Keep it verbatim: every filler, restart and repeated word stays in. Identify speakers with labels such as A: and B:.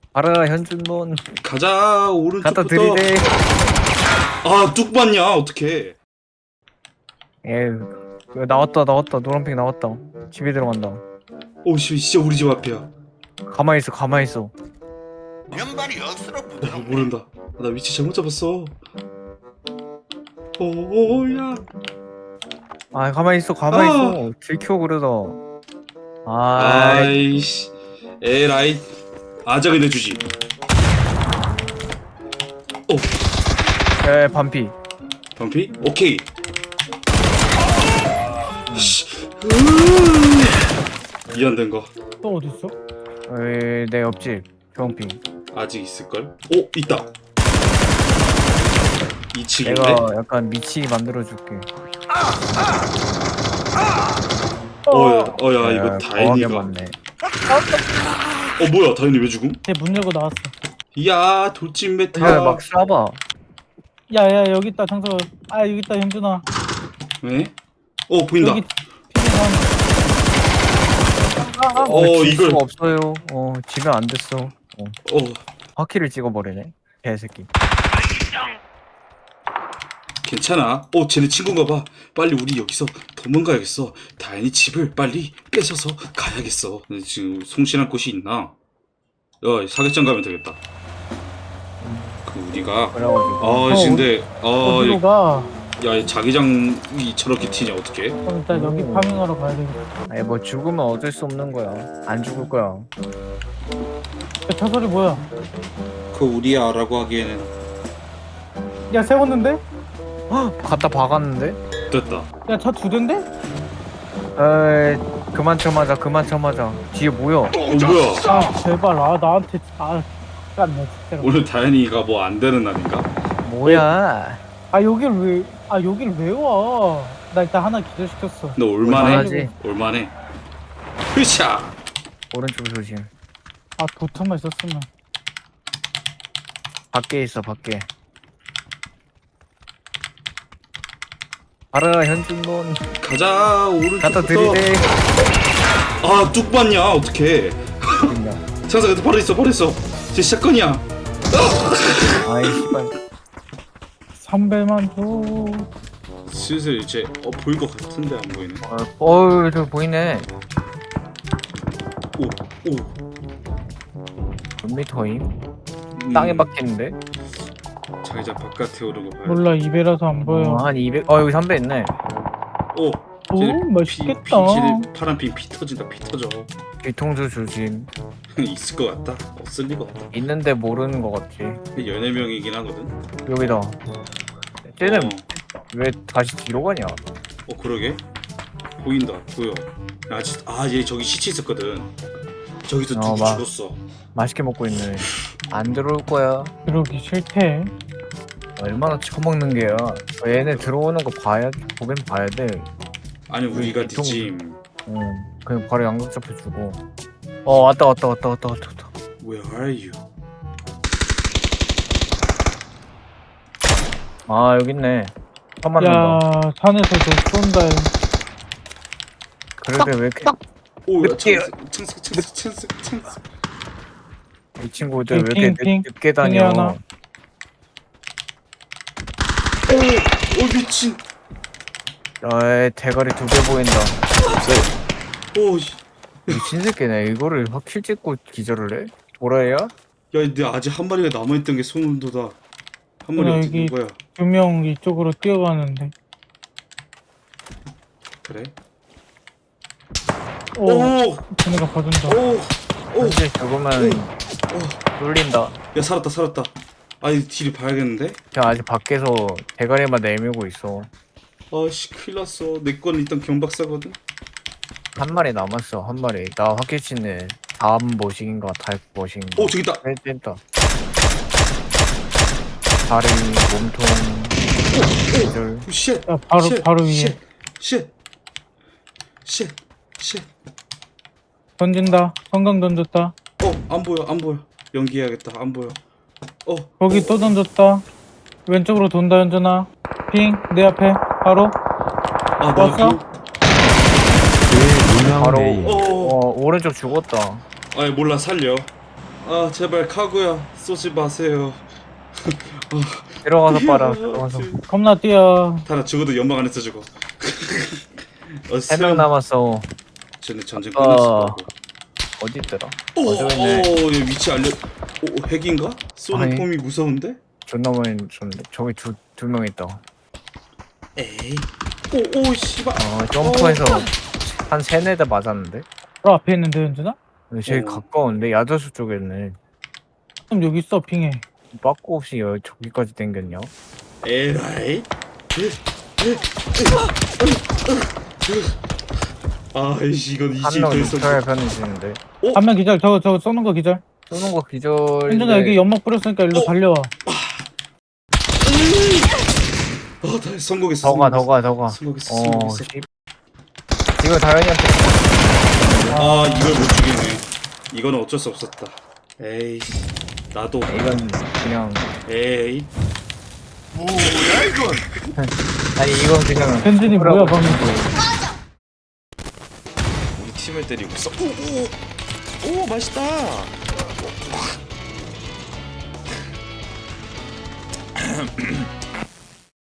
A: 알아 현준몬.
B: 가자
A: 갖다
B: 오른쪽부터.
A: 들이대.
B: 아뚝 봤냐 어떡해.
A: 예 나왔다 나왔다 노란핑 나왔다. 집에 들어간다.
B: 오씨 진짜 우리 집 앞이야.
A: 가만히 있어 가만히 있어.
C: 면발이 억수로
B: 나
C: 부드럽네.
B: 모른다. 나 위치 잘못 잡았어. 오야.
A: 아 가만히 있어 가만히
B: 아.
A: 있어. 들켜 그러다. 아
B: 아이씨. 에라이. 아작을 내주지. 오.
A: 에 반피.
B: 반피? 오케이. 씨. 미안된 거
D: 또 어딨어?
A: 에, 내 옆집 주황핑.
B: 아직 있을걸? 오 있다. 이 층인데?
A: 내가 약간 미치 만들어줄게.
B: 어야 어야 이거
A: 야,
B: 다행이가.
A: 거하게 맞네.
B: 어 뭐야 다행이 왜 죽음?
D: 쟤 문 열고 나왔어.
B: 야 돌진 메타.
A: 야, 막 쏴봐.
D: 야야 여기 있다 장서. 아 여기 있다 현준아.
B: 왜? 어 보인다.
D: 여기 피해가. 아, 아.
B: 어,
A: 어, 질
B: 이걸-
A: 수가 없어요. 어, 지면 안 됐어. 어,
B: 어
A: 바퀴를 찍어버리네. 개새끼.
B: 괜찮아. 어 쟤네 친구인가 봐. 빨리 우리 여기서 도망가야겠어. 다행히 집을 빨리 뺏어서 가야겠어. 근데 지금 송신할 곳이 있나? 야 사격장 가면 되겠다. 그 우리가
A: 그래가지고.
B: 아 근데
D: 어디로
B: 아야
D: 가?
B: 자기장이 저렇게 튀냐 어떡해?
D: 그럼 일단 여기
A: 오.
D: 파밍하러 가야 되겠다.
A: 아니 뭐 죽으면 어쩔 수 없는 거야. 안 죽을 거야.
D: 야, 저 소리 뭐야?
B: 그 우리야라고 하기에는
D: 야 세웠는데?
A: 헉, 갖다 박았는데?
B: 됐다.
D: 야 차 두 대인데?
A: 에이, 그만 쳐맞아, 그만 쳐맞아. 뒤에 뭐야?
B: 어 뭐야?
D: 아 제발 아 나한테 아 깐네 진짜로.
B: 오늘 다현이가 뭐 안 되는 날인가?
A: 뭐야?
D: 아 여길 왜아 여길 왜 와? 나 일단 하나 기절시켰어.
B: 너 올만해?
A: 올만하지?
B: 올만해. 흐샤.
A: 오른쪽 조심.
D: 아 도트만 있었으면.
A: 밖에 있어, 밖에. 알아 현준몬.
B: 가자
A: 갖다
B: 오른쪽부터.
A: 들이대.
B: 아뚝 봤냐 어떡해. 창사 그때 바로 있어 바로 있어. 제 샷건이야.
A: 아이 씨발.
D: 삼배만 줘.
B: 슬슬 이제 어 보일 것 같은데 안 보이네.
A: 어, 어우 저 보이네.
B: 오 오.
A: 몇 미터임?
B: 음,
A: 땅에 박히는데?
B: 자기장 바깥에 오르고 봐야.
D: 몰라 입에라서 안 보여.
A: 어, 한 이백. 어 여기 삼배 있네.
B: 오.
D: 오
B: 쟤네
D: 맛있겠다.
B: 피, 피, 쟤네 파란 핀 피 터진다 피 터져.
A: 뒤통수 조심.
B: 있을 것 같다. 없을 리가 없다.
A: 있는데 모르는 거 같지.
B: 열네 명이긴 하거든.
A: 여기다. 쟤는
B: 어,
A: 왜 다시 뒤로 가냐?
B: 어 그러게. 보인다 보여. 아직 아얘 저기 시체 있었거든. 저기서
A: 어,
B: 누구
A: 막.
B: 죽었어.
A: 맛있게 먹고 있네. 안 들어올 거야.
D: 그러기 싫대.
A: 얼마나 처먹는 게야. 얘네 들어오는 거 봐야 보긴 봐야 돼.
B: 아니 우리가
A: 뒤통-
B: 뒤짐.
A: 응. 그냥 바로 양각 잡혀주고. 어 왔다 왔다 왔다 왔다 왔다 왔다.
B: Where are you?
A: 아 여기 있네. 한만
D: 야
A: 난다.
D: 산에서 너 쏜다.
A: 그러게 왜 이렇게
B: 오야
A: 늦게-
B: 찬스 찬스 찬스 찬스 찬스.
A: 이 친구들 왜 이렇게
D: 핑,
A: 늦,
D: 핑,
A: 늦게 다녀?
D: 핑이 하나.
B: 오, 오 미친.
A: 아 대가리 두 개 보인다.
B: 오, 씨.
A: 미친 새끼네. 이거를 확킬 찍고 기절을 해? 도라이야?
B: 야, 근데 아직 한 마리가 남아있던 게 소름 돋아. 한 마리
D: 야,
B: 어디
D: 여기-
B: 있는 거야?
D: 두 명 이쪽으로 뛰어가는데.
B: 그래?
D: 오,
B: 오,
D: 쟤네가 봐준다.
B: 오, 오.
A: 현재 죽으면 뚫린다.
B: 야 살았다 살았다. 아이 뒤를 봐야겠는데?
A: 그냥 아직 밖에서 대가리만 내밀고 있어.
B: 아씨 큰일 났어. 내 건 일단 경박사거든.
A: 한 마리 남았어. 한 마리. 나 확실치는 다음 머신인가 타입 머신인가.
B: 오 저기 있다.
A: 뺀다. 다리, 몸통, 기절.
B: 오, 쉣.
D: 야 바로
B: 쉣,
D: 바로 위에
B: 쉣, 쉣, 쉣, 쉣.
D: 던진다. 성강 던졌다.
B: 어안 보여 안 보여. 연기해야겠다. 안 보여. 어
D: 거기 또 던졌다. 왼쪽으로 돈다 현준아. 핑 내 앞에 바로.
B: 아, 나
D: 왔어?
B: 그,
A: 바로
B: 어,
A: 어 오른쪽 죽었다.
B: 아니 몰라 살려. 아 제발 카구야 쏘지 마세요.
A: 들어가서 빨아. 들어가서.
D: 겁나 뛰어.
B: 타나 죽어도 연막 안에서 죽어. 어,
A: 세 명 남았어.
B: 쟤네 전쟁
A: 어.
B: 끝났어.
A: 어디 있더라?
B: 오,
A: 어, 저기 있네.
B: 오, 얘 위치 알려. 오, 핵인가? 쏘는
A: 아니.
B: 폼이 무서운데?
A: 존나 많이 줬는데. 저기 두, 두 명 있다.
B: 에이. 오, 오, 씨발.
A: 어, 점프해서 한 세네 대 맞았는데?
D: 바로 앞에 있는데 현준아?
A: 근데 제일
B: 어.
A: 가까운데? 야자수 쪽에 있네.
D: 그럼 여기 있어 핑해.
A: 빠꾸 없이 여기 저기까지 땡겼냐?
B: 에라이. 아이씨, 이건
A: 한
B: 이제
A: 명
B: 더 이상.
A: 육탈 편해지는데.
D: 한 명 기절. 저거 저거 쏘는 거 기절.
A: 쏘는 거 기절.
D: 현준아 여기 연막 뿌렸으니까 일로
B: 어.
D: 달려와.
B: 아, 다 성공했어.
A: 더가
B: 성공했어.
A: 더가 더가.
B: 성공했어.
A: 어,
B: 성공했어.
A: 씨. 이거 다현이한테
B: 아, 이걸 못 죽이네. 이건 어쩔 수 없었다. 에이, 나도.
A: 이건 그냥
B: 에이.
C: 뭐야 이건?
A: 아니 이건 그냥
D: 현준이 뭐야 방금.
E: 우리 팀을 때리고 있어. 오오 오 맛있다.